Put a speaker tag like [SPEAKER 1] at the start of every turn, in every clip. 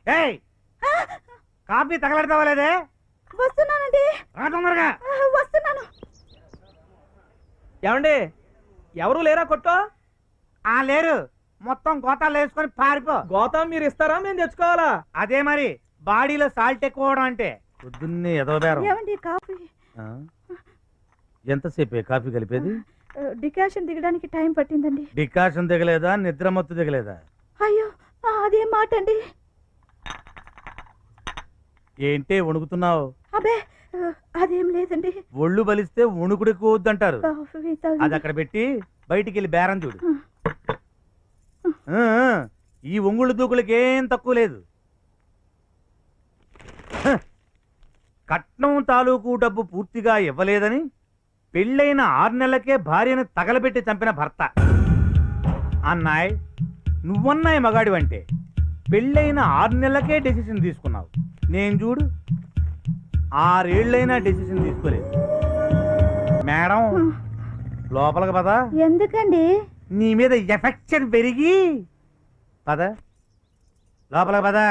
[SPEAKER 1] ఏయ్ కాఫీ తగలడతావా లేదే?
[SPEAKER 2] వస్తున్నానండి.
[SPEAKER 1] రా తొందరగా.
[SPEAKER 2] వస్తున్నాను.
[SPEAKER 3] ఏమండి ఎవరు లేరా కొట్టో?
[SPEAKER 1] లేరు, మొత్తం గోతాలు వేసుకొని పారిపో.
[SPEAKER 3] గోతం మీరు ఇస్తారా మేము తెచ్చుకోవాలా?
[SPEAKER 1] అదే మరి బాడీలో సాల్ట్ ఎక్కువ అంటే. పొద్దున్నే ఎదవబేరం.
[SPEAKER 2] ఏమండి కాఫీ?
[SPEAKER 1] ఎంతసేపే కాఫీ కలిపేది?
[SPEAKER 2] డికాషన్ దిగడానికి టైం పట్టిందండి.
[SPEAKER 1] డికాషన్ దిగలేదా? నిద్ర మత్తు దిగలేదా?
[SPEAKER 2] అయ్యో అదేం మాట అండి.
[SPEAKER 1] ఏంటే వణుకుతున్నావు?
[SPEAKER 2] అబే అదేం లేదండి.
[SPEAKER 1] ఒళ్ళు బలిస్తే వణుకుడు ఎక్కువ వద్దంటారు.
[SPEAKER 2] కాఫీ తాగి-
[SPEAKER 1] అది అక్కడ పెట్టి బయటికి వెళ్ళి బేరం చూడు. ఈ ఒంగుళ్ళు దూకులకి ఏం తక్కువ లేదు. కట్నం తాలూకు డబ్బు పూర్తిగా ఇవ్వలేదని పెళ్ళైన 6 నెలలకే భార్యను తగలబెట్టి చంపిన భర్త. అన్నాయ్, నువ్వన్నాయి మగాడివంటే పెళ్ళైన 6 నెలలకే డెసిషన్ తీసుకున్నావు. నేను చూడు 6 ఏళ్ళైనా డెసిషన్ తీసుకోలేదు. మేడం లోపలికి పద.
[SPEAKER 2] ఎందుకండి?
[SPEAKER 1] నీ మీద ఎఫెక్షన్ పెరిగి పద లోపలికి పద.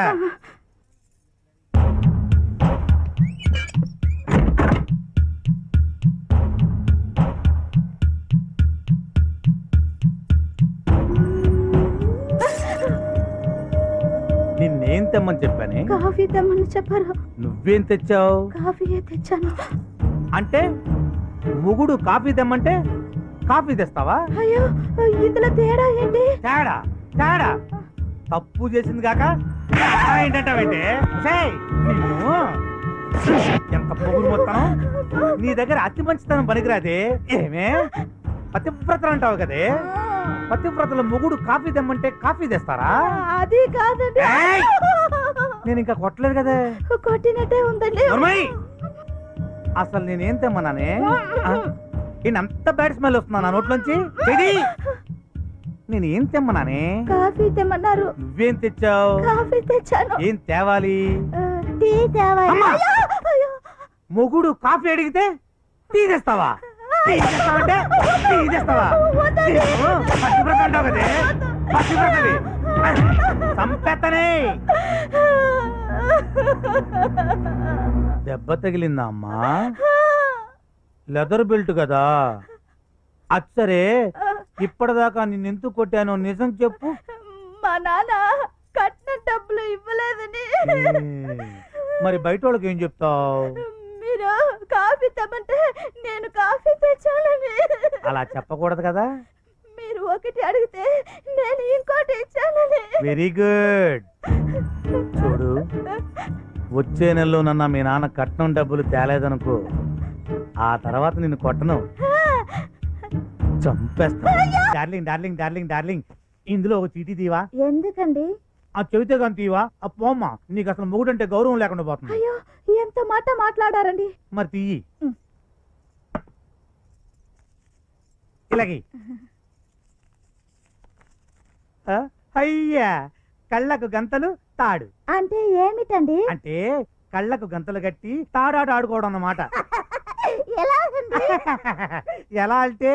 [SPEAKER 1] నిన్నేం తెమ్మని చెప్పానే?
[SPEAKER 2] కాఫీ తెమ్మని చెప్పారు.
[SPEAKER 1] నువ్వేం తెచ్చావు?
[SPEAKER 2] కాఫీయే తెచ్చాను.
[SPEAKER 1] అంటే మొగుడు కాఫీ తెమ్మంటే కాఫీ తెస్తావా?
[SPEAKER 2] అయ్యో ఇందులో తేడా ఏంటి?
[SPEAKER 1] తేడా తేడా తప్పు చేసింది కాక ఏంటంటావంటే? నిన్ను ఎంత పొగురు మొత్తం. నీ దగ్గర అతి మంచితనం పనికిరాదే. ఏమే పతివ్రతలు అంటావు కదే, పతివ్రతల మొగుడు కాఫీ తెమ్మంటే కాఫీ తెస్తారా?
[SPEAKER 2] అది కాదండి.
[SPEAKER 1] నేను ఇంకా కొట్టలేదు కదే.
[SPEAKER 2] కొట్టినట్టే ఉందండి.
[SPEAKER 1] అసలు నేనేం తెమ్మన్నానే? అంత బ్యాడ్ స్మెల్ వస్తున్నా నా నోట్లోంచి. నేను ఏం తెమ్మన్నానే?
[SPEAKER 2] కాఫీ తెమ్మన్నారు.
[SPEAKER 1] నువ్వేం తెచ్చావు?
[SPEAKER 2] కాఫీ తెచ్చాను.
[SPEAKER 1] ఏం తేవాలి?
[SPEAKER 2] టీ తేవాలి.
[SPEAKER 1] మొగుడు కాఫీ అడిగితే టీ తెస్తావా? టీ తెస్తావంటే టీ తెస్తావా? పచ్చివ్రత అంటావు కదే, పచ్చివ్రతది. సంపెత్తనే దెబ్బ తగిలిందా అమ్మా? లెదర్ బెల్ట్ కదా. అచ్చరే ఇప్పటిదాకా నిన్నెందుకు కొట్టానో నిజం చెప్పు.
[SPEAKER 2] మా నాన్న కట్టిన డబ్బులు ఇవ్వలేదని.
[SPEAKER 1] మరి బయట వాళ్ళకి ఏం చెప్తావు?
[SPEAKER 2] మీరు కాఫీ తెమ్మంటే నేను కాఫీ తెచ్చానని.
[SPEAKER 1] అలా చెప్పకూడదు కదా.
[SPEAKER 2] మీరు ఒకటి అడిగితే నేను ఇంకోటి ఇచ్చానని.
[SPEAKER 1] Very good. చూడు, వచ్చే నెలలో నన్న మీ నాన్న కట్నం డబ్బులు తేలేదనుకో, ఆ తర్వాత నిన్ను కొట్టను, చంపేస్తా. డార్లింగ్ డార్లింగ్ డార్లింగ్ డార్లింగ్, ఇందులో ఒక చీటీ తీవా?
[SPEAKER 2] ఎందుకండి?
[SPEAKER 1] ఆ చెబితే కానీ తీవా? ఆ పోమ్మా, నీకు అసలు మొగుడు అంటే గౌరవం లేకుండా పోతుంది.
[SPEAKER 2] అయ్యో ఎంత మాట మాట్లాడారండి.
[SPEAKER 1] మరి తీయి. ఇలాగే అయ్యా, కళ్ళకు గంతలు తాడు
[SPEAKER 2] అంటే ఏమిటండి?
[SPEAKER 1] అంటే కళ్ళకు గంతలు కట్టి తాడాట ఆడుకోవడం అన్నమాట. ఎలా అంటే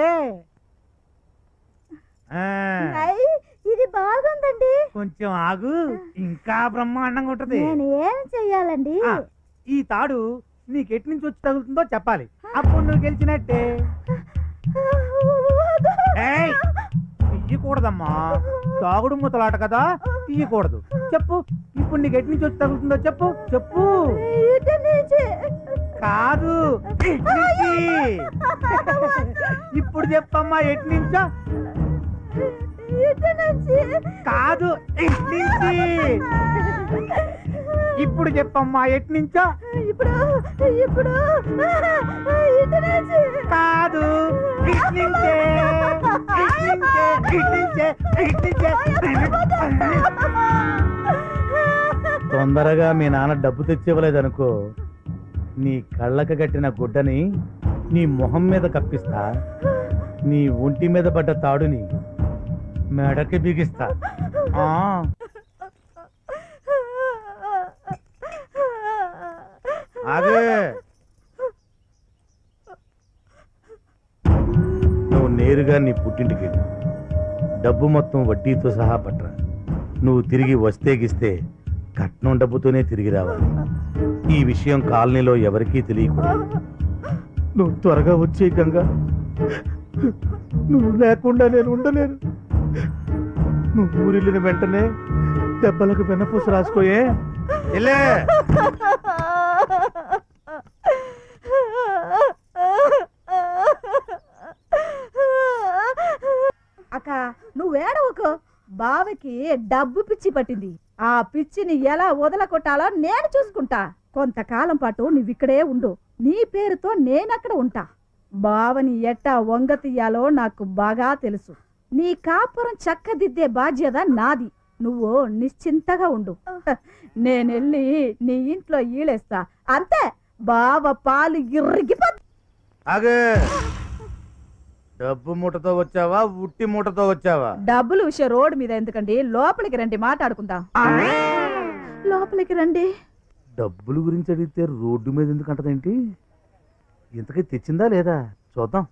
[SPEAKER 2] ఇది బాగుందండి.
[SPEAKER 1] కొంచెం ఆగు, ఇంకా బ్రహ్మాండంగా ఉంటది.
[SPEAKER 2] నేను ఏం చెయ్యాలండి?
[SPEAKER 1] ఈ తాడు నీకు ఎటు నుంచి వచ్చి తగులుతుందో చెప్పాలి, అప్పుడు నువ్వు గెలిచినట్టే. తీయకూడదమ్మా, తాగుడు మూతలాట కదా, తీయకూడదు. చెప్పు, ఇప్పుడు నీకు ఎటు నుంచి వచ్చి తగులుతుందో చెప్పు. చెప్పు. కాదు, ఇప్పుడు చెప్పమ్మా, ఎటు నుంచో. కాదు, నుంచి. ఇప్పుడు చెప్పమ్మా, ఎటు నుంచో.
[SPEAKER 2] ఇప్పుడు ఇప్పుడు
[SPEAKER 1] కాదు, తొందరగా మీ నాన్న డబ్బు తెచ్చివ్వలేదనుకో, నీ కళ్ళకు కట్టిన గుడ్డని నీ మొహం మీద కప్పిస్తా, నీ ఒంటి మీద పడ్డ తాడుని మెడకి బిగిస్తా. ఆగే, నువ్వు నేరుగా నీ పుట్టింటికి వెళ్ళు. డబ్బు మొత్తం వడ్డీతో సహా పట్టరా. నువ్వు తిరిగి వస్తే గిస్తే కట్నం డబ్బుతోనే తిరిగి రావాలి. ఈ విషయం కాలనీలో ఎవరికీ తెలియకూడదు. నువ్వు త్వరగా వచ్చే గంగా, నువ్వు లేకుండా నేను ఉండలేను. నువ్వు ఊరిల్లిన వెంటనే దెబ్బలకు వెన్నపూస రాసుకోయే. వెళ్ళే.
[SPEAKER 2] అక్క నువ్వేడవకు. బావకి డబ్బు పిచ్చి పట్టింది. ఆ పిచ్చిని ఎలా వదలకొట్టాలో నేను చూసుకుంటా. కొంతకాలం పాటు నువ్విక్కడే ఉండు. నీ పేరుతో నేనక్కడ ఉంటా. బావని ఎట్టా వంగ తీయాలో నాకు బాగా తెలుసు. నీ కాపురం చక్కదిద్దే బాధ్యత నాది. నువ్వు నిశ్చింతగా ఉండు. నేనెళ్ళి నీ ఇంట్లో ఈలేస్తా. అంతే. బావ పాలు ఇరిగిపో.
[SPEAKER 1] ఆగే. డబ్బు మూటతో వచ్చావా, ఉట్టి మూటతో వచ్చావా?
[SPEAKER 2] డబ్బులు విషయం రోడ్డు మీద ఎందుకండి, లోపలికి రండి, మాట్లాడుకుందాం. లోపలికి రండి.
[SPEAKER 1] డబ్బుల గురించి అడిగితే రోడ్డు మీద ఎందుకు అంటదేంటి? ఇంతకీ తెచ్చిందా లేదా చూద్దాం.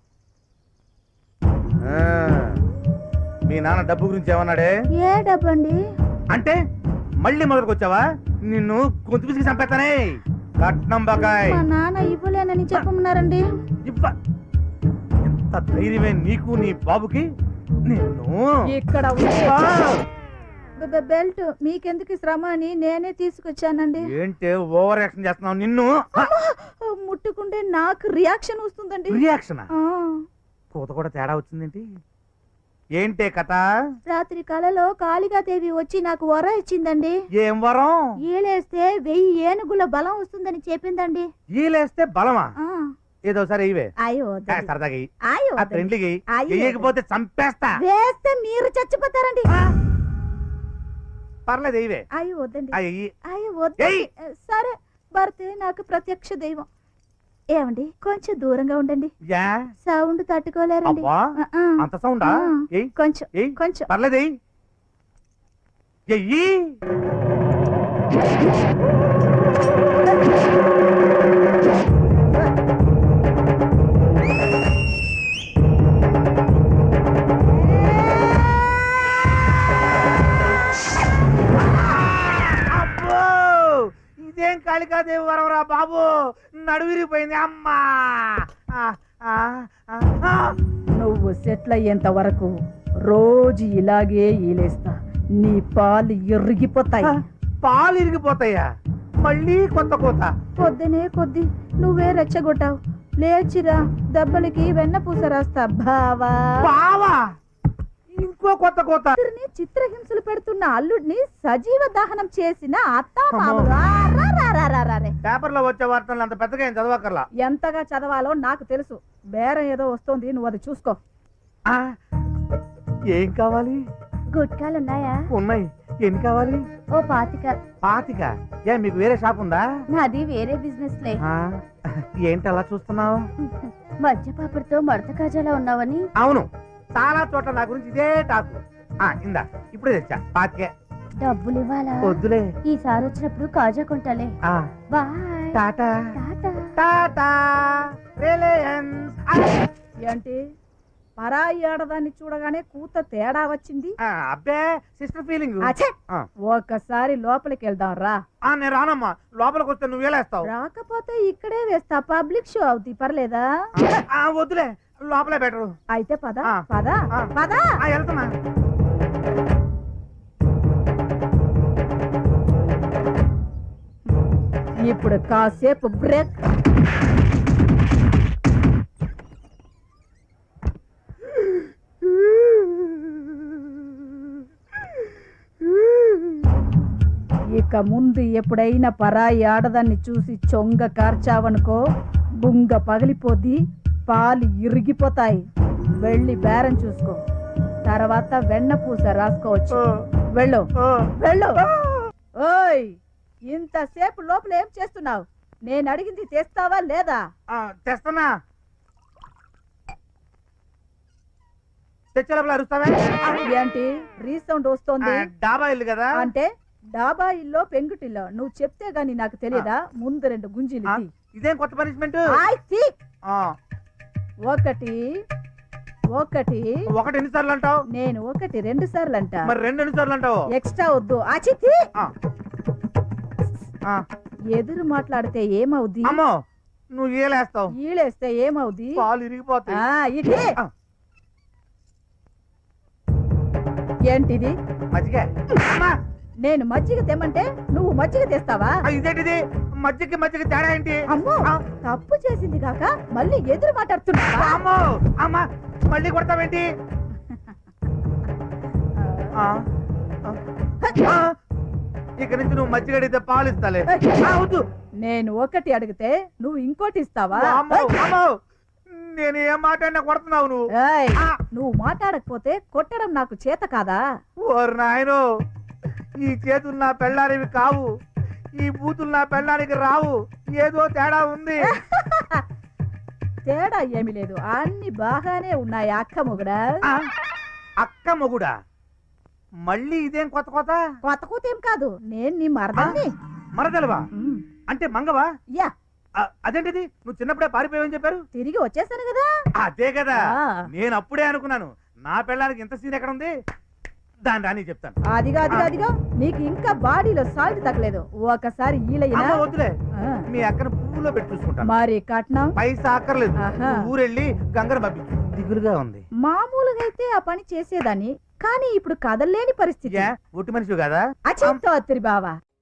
[SPEAKER 1] మీ నాన్న డబ్బు గురించి ఏమన్నాడే?
[SPEAKER 2] ఏ డబ్బు అండి?
[SPEAKER 1] అంటే మళ్ళీ మొదలుకొచ్చావా? నిన్ను గొంతు పిసికి చంపేస్తానే. కట్నం బకాయ్
[SPEAKER 2] మా నాన్న ఇవ్వలేనని చెప్పమన్నారండి.
[SPEAKER 1] ఇవ్వ. ఎంత ధైర్యమే నీకు నీ బాబుకి? నిన్ను
[SPEAKER 2] ఇక్కడ బెల్ట్ మీకెందుకు శ్రమ అని నేనే తీసుకొచ్చానండి.
[SPEAKER 1] ఏంటే ఓవర్ యాక్షన్ చేస్తున్నావు? నిన్ను
[SPEAKER 2] ముట్టుకుంటే నాకు రియాక్షన్ వస్తుందండి.
[SPEAKER 1] రియాక్షన్?
[SPEAKER 2] ఆ.
[SPEAKER 1] కూత కూడా తేడా వచ్చిందేంటి? ఏంటే కథ?
[SPEAKER 2] రాత్రి కలలో కాళికాదేవి వచ్చి నాకు వర ఇచ్చిందండి.
[SPEAKER 1] ఏం వరం?
[SPEAKER 2] ఈలేస్తే 1000 ఏనుగుల బలం వస్తుందని చెప్పిందండి.
[SPEAKER 1] ఈలేస్తే బలమా?
[SPEAKER 2] ఆ.
[SPEAKER 1] ఏదో సరే ఇవే.
[SPEAKER 2] అయ్యో
[SPEAKER 1] సరదాగా
[SPEAKER 2] అయ్యో
[SPEAKER 1] ఫ్రెండ్లీకి
[SPEAKER 2] అయ్యో.
[SPEAKER 1] వేయకపోతే చంపేస్తా.
[SPEAKER 2] వేస్తే మీరు చచ్చిపోతారండి.
[SPEAKER 1] పర్లేదు ఇవే.
[SPEAKER 2] అయ్యో వద్దండి.
[SPEAKER 1] అయ్యి
[SPEAKER 2] అయ్యో వద్దండి. సరే భర్తే నాకు ప్రత్యక్ష దైవం. ఏమండి కొంచెం దూరంగా ఉండండి.
[SPEAKER 1] యా
[SPEAKER 2] సౌండ్ తట్టుకోలేరండి.
[SPEAKER 1] అబ్బా అంత సౌండా? ఏయ్
[SPEAKER 2] కొంచెం
[SPEAKER 1] ఏయ్
[SPEAKER 2] కొంచెం.
[SPEAKER 1] పర్లేదు ఎయ్యి. ఎయ్యి. ఇదేం కాళికాదేవి వరవరా బాబు, నడువిరిపోయింది అమ్మా.
[SPEAKER 2] నువ్వు సెటిల్ అయ్యేంత వరకు రోజు ఇలాగే ఈలేస్తా. నీ పాలు ఇరిగిపోతాయి.
[SPEAKER 1] పాలు ఇరిగిపోతాయా? మళ్ళీ కొత్త కోత?
[SPEAKER 2] పొద్దునే కొద్ది నువ్వే రెచ్చగొట్టావు. లేచిరా, దెబ్బలకి వెన్న పూస రాస్తా. బావా
[SPEAKER 1] బావా ఇంకో కొత్త కోత.
[SPEAKER 2] చిత్రహింసలు పెడుతున్న అల్లుడిని సజీవ దహనం చేసిన అత్తా మామలు.
[SPEAKER 1] పేపర్ లో వచ్చే వార్తలు అంత పెద్దగా ఏం చదవకర్లా.
[SPEAKER 2] ఎంతగా చదవాలో నాకు తెలుసు. బేరం ఏదో వస్తోంది, నువ్వు అది చూసుకో.
[SPEAKER 1] ఏం కావాలి?
[SPEAKER 2] గుట్కాలున్నాయా?
[SPEAKER 1] ఉన్నాయి. ఎన్ని కావాలి?
[SPEAKER 2] ఓ 25.
[SPEAKER 1] 25? ఏ మీకు వేరే షాప్ ఉందా?
[SPEAKER 2] నాది వేరే బిజినెస్ లే.
[SPEAKER 1] ఏంటి అలా చూస్తున్నావు?
[SPEAKER 2] మధ్యపాపడితో మడత కాజాలా ఉన్నావని.
[SPEAKER 1] అవును, చాలా చోట్ల నా గురించి ఇదే టాకు. ఇందా ఇప్పుడే తెచ్చా 25.
[SPEAKER 2] డబ్బులు ఇవ్వాలా?
[SPEAKER 1] వద్దులే,
[SPEAKER 2] ఈసారి వచ్చినప్పుడు కాజా కొంటాలే. బాయ్.
[SPEAKER 1] Tata tata Reliance.
[SPEAKER 2] ఏంటి పరాయి ఆడదాన్ని చూడగానే కూత తేడా వచ్చింది?
[SPEAKER 1] అబ్బే సిస్టర్ ఫీలింగ్.
[SPEAKER 2] ఒకసారి లోపలికి వెళ్దాం రా.
[SPEAKER 1] నేను రానమ్మా. లోపలికి వస్తే నువ్వు వేలేస్తావు.
[SPEAKER 2] రాకపోతే ఇక్కడే వేస్తా. పబ్లిక్ షో అవుతుంది, పర్లేదా?
[SPEAKER 1] వద్దులే, లోపలే బెటరు.
[SPEAKER 2] అయితే పద పద పద.
[SPEAKER 1] వెళ్తున్నా.
[SPEAKER 2] ఇప్పుడు కాసేపు బ్రేక్. ఇక ముందు ఎప్పుడైనా పరాయి ఆడదాన్ని చూసి చొంగ కార్చావనుకో, బుంగ పగిలిపోద్ది, పాలు ఇరిగిపోతాయి. వెళ్ళి బేరం చూసుకో, తర్వాత వెన్న పూస రాసుకోవచ్చు. వెళ్ళు వెళ్ళు. ఓయ్, ఇంతసేపు లోపల ఏం చేస్తున్నావు? నేను అడిగింది తెస్తావా లేదా?
[SPEAKER 1] తెస్తున్నా. తెచ్చే లోపల అరుస్తావే?
[SPEAKER 2] ఏంటి రీసౌండ్ వస్తోంది?
[SPEAKER 1] డాబా ఇల్లు కదా.
[SPEAKER 2] అంటే డాబా ఇల్లో పెంకుటిల్లో? నువ్వు చెప్తే గాని నాకు తెలియదా? ముందు 2 గుంజీలు.
[SPEAKER 1] ఇదేం కొత్త పనిష్మెంట్?
[SPEAKER 2] ఒకటి ఒకటి
[SPEAKER 1] ఒకటి ఎన్నిసార్లు అంటావు?
[SPEAKER 2] నేను 1 2 సార్లు అంటా.
[SPEAKER 1] మరి 2 ఎన్నిసార్లు అంటావు?
[SPEAKER 2] ఎక్స్ట్రా వద్దు. ఆచితి
[SPEAKER 1] ఆ,
[SPEAKER 2] ఎదురు మాట్లాడితే ఏమవుద్ది?
[SPEAKER 1] అమ్మో నువ్వు ఏలేస్తావు,
[SPEAKER 2] ఈలేస్తే ఏమవుద్ది?
[SPEAKER 1] పాలు ఇరిగిపోతాయి.
[SPEAKER 2] ఇది
[SPEAKER 1] ఆ.
[SPEAKER 2] ఏంటిది?
[SPEAKER 1] మజ్జిగ. అమ్మా,
[SPEAKER 2] నేను మజ్జిగ తెమ్మంటే నువ్వు మజ్జిగ తెస్తావా?
[SPEAKER 1] ఇదేంటిది? మజ్జిగకి మజ్జిగ తేడా ఏంటి?
[SPEAKER 2] అమ్మో, తప్పు చేసింది కాక మళ్ళీ ఎదురు మాట్లాడుతున్నావా?
[SPEAKER 1] అమ్మో అమ్మా, మళ్ళీ కొడతావేంటి? ఆ, ఆ, ఇక నుంచి నువ్వు మజ్జిగ అడిగితే పాలు ఇస్తాలే. వద్దు.
[SPEAKER 2] నేను ఒకటి అడిగితే నువ్వు ఇంకోటి ఇస్తావా?
[SPEAKER 1] అమ్మో, అమ్మో, నేను ఏం మాట్లాడినా కొడుతున్నావు నువ్వు.
[SPEAKER 2] ఏయ్,
[SPEAKER 1] ఆ.
[SPEAKER 2] నువ్వు మాట్లాడకపోతే కొట్టడం నాకు చేత కాదా?
[SPEAKER 1] ఓరు నాయనో, ఈ చేతులు నా పెళ్ళానివి కావు, ఈ బూతులు నా పెళ్ళానికి రావు. ఏదో తేడా ఉంది.
[SPEAKER 2] తేడా ఏమీ లేదు, అన్ని బాగానే ఉన్నాయి అక్క మొగుడా.
[SPEAKER 1] ఆ, అక్క మొగుడా? మళ్ళీ ఇదేం కొత్త కొత్త?
[SPEAKER 2] కొత్త కూతేం కాదు, నేను నీ మరదల్ని.
[SPEAKER 1] మరదలవా?
[SPEAKER 2] ఉమ్,
[SPEAKER 1] అంటే మంగవా?
[SPEAKER 2] యా,
[SPEAKER 1] అదేంటిది? నువ్వు చిన్నప్పుడే పారిపోయావని చెప్పారు.
[SPEAKER 2] తిరిగి వచ్చేసాను కదా.
[SPEAKER 1] అదే కదా,
[SPEAKER 2] ఆ.
[SPEAKER 1] నేను అప్పుడే అనుకున్నాను నా పెళ్ళానికి ఇంత సీన్ ఎక్కడ ఉంది. దాని రాని చెప్తాను.
[SPEAKER 2] అదిగో నీకు ఇంకా బాడీలో సాల్ట్ తగ్గలేదు. ఒకసారి ఈలయ్యనా?
[SPEAKER 1] అమ్మ వద్దులే,
[SPEAKER 2] ఆ,
[SPEAKER 1] మీ అక్కను పువ్వులో పెట్టి చూసుకుంటాను.
[SPEAKER 2] మరి కట్నం
[SPEAKER 1] పైసా అక్కర్లేదు.
[SPEAKER 2] ఆహా.
[SPEAKER 1] నువ్వు ఊరెళ్ళి గంగను పంపించు. దిగులుగా ఉంది.
[SPEAKER 2] మామూలుగా అయితే ఆ పని చేసేదాన్ని, కానీ ఇప్పుడు కదల్లేని పరిస్థితి.
[SPEAKER 1] ఒట్టి మనిషి కదా?
[SPEAKER 2] అచింతో బావా.